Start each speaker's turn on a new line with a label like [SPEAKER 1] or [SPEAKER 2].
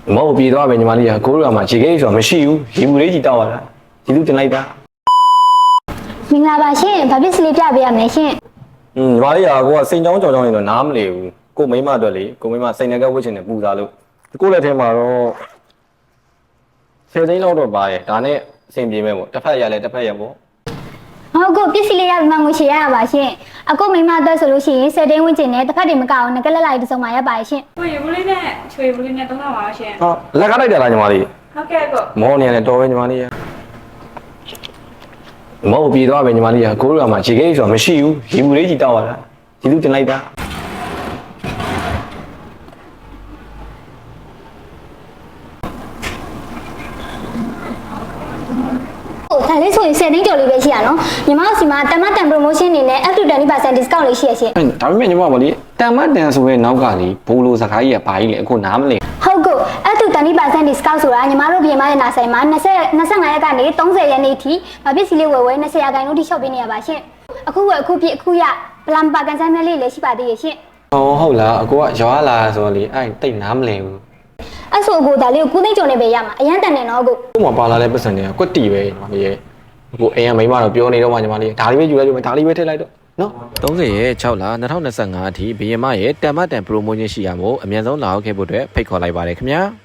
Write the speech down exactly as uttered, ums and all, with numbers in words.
[SPEAKER 1] မဟုတ်ပြေသွားပဲညီမလေးကကိုတို့ကမှခြေကိဆိုတာမရှိဘူးရေဘူးလေးကြီးတောက်ရတာဒီလူတင်လိုက်တာ
[SPEAKER 2] မင်္ဂလာပါရှင်ဘာဖြစ်စလေးပြပေးရမလဲရှင်
[SPEAKER 1] อืมညီမလေးကကိုကစိန်ချောင်းကြောင်ကြောင်နေတော့နားမလည်ဘူးကိုမိမအတွက်လေကိုမိမစိန်ငယ်ကဝှက်ချင်တယ်ပူစားလို့ကိုလက်ထဲမှာတော့ဆယ်သိန်းလောက်တော့ပါတယ်ဒါနဲ့အဆင်ပြေမဲ့ပေါ့တစ်ဖက်ရလဲတစ်ဖက်ရပေါ့
[SPEAKER 2] ဟုတ်ကိုပစ္စည်းလေးရမှငွေချေရပါရှင်အခုမိမအတွက်ဆိုလို့ရှိရင်ဆယ်သိန်းဝန်းကျင်နဲ့တစ်ဖက်တွေမကအောင်ငကလက်လိုက်တစ်စုံမှရပါရှင်
[SPEAKER 3] ကိုရေဘူးလေးနဲ့ချွေဘူးလေးနဲ့သုံးလောက်ပါရှင်
[SPEAKER 1] ဟာလက်ကားလိုက်တယ်လားညီမလေး
[SPEAKER 3] ဟုတ်ကဲ့ကို
[SPEAKER 1] မောနေရတယ်တော်ပဲညီမလေးရမဟုတ်ပြေသွားပဲညီမလေးကကိုတို့ကမှခြေကိဆိုတာမရှိဘူးရေဘူးလေးကြီးတောက်ရတာဒီလူတင်လိုက်တာ
[SPEAKER 2] ဒါလေးဆိုရင်ဆယ်သိန်းကျော်လေးပဲရှိရနော်ညီမတို့စီမှာတမတန် promotion အနေနဲ့ up to twenty percent discount လေးရှိရရှင်
[SPEAKER 1] ဒါပေမဲ့ညီမမလေးတန်မတန်ဆိုရဲ့နောက်ကလေဘိုးလိုစကားကြီးကဘာကြီးလဲအခုနားမလည်
[SPEAKER 2] ဟုတ်ကို up to twenty percent discount ဆိုတာညီမတို့ပြင်မရဲ့နာဆိုင်မှာtwenty-fiveရက်ကနေthirtyရက်နေ့ထိမပစ္စည်းလေးဝယ်ဝယ်twentyရာခိုင်နှုန်းထိ shop ပေးနေရပါရှင်အခုဝယ်အခုပြည့်အခုရပလမ်ပါကန်ဆန်းမြလေးလည်းရှိပါသေးရဲ့ရှင်
[SPEAKER 1] ဟောဟုတ်လားအကိုကရွာလာဆိုလေအဲ့တိတ်နားမလည်ဘူး
[SPEAKER 2] အဲ့ဆိုအကိုဒါလေးကို၉သိန်းကျော်နေပဲရမှာအရန်တန်နေနော်အကို
[SPEAKER 1] ကို့မှာပါလာတဲ့ပတ်စံတွေကကွက်တီပဲညီမလေးရဲ့အခုအိမ်ကမိမတော့ပြောနေတော့မှညီမလေးဒါလေးပဲယူလိုက်လို့ဒါလေးပဲထည့်လိုက်တော့နော်
[SPEAKER 4] thirtyရဲ့sixလtwenty twenty-fiveအထိဘီယမရဲ့တန်မတန် promotion ရှိရမို့အမြန်ဆုံးလာရောက်ခဲ့ဖို့အတွက်ဖိတ်ခေါ်လိုက်ပါတယ်ခင်ဗျာ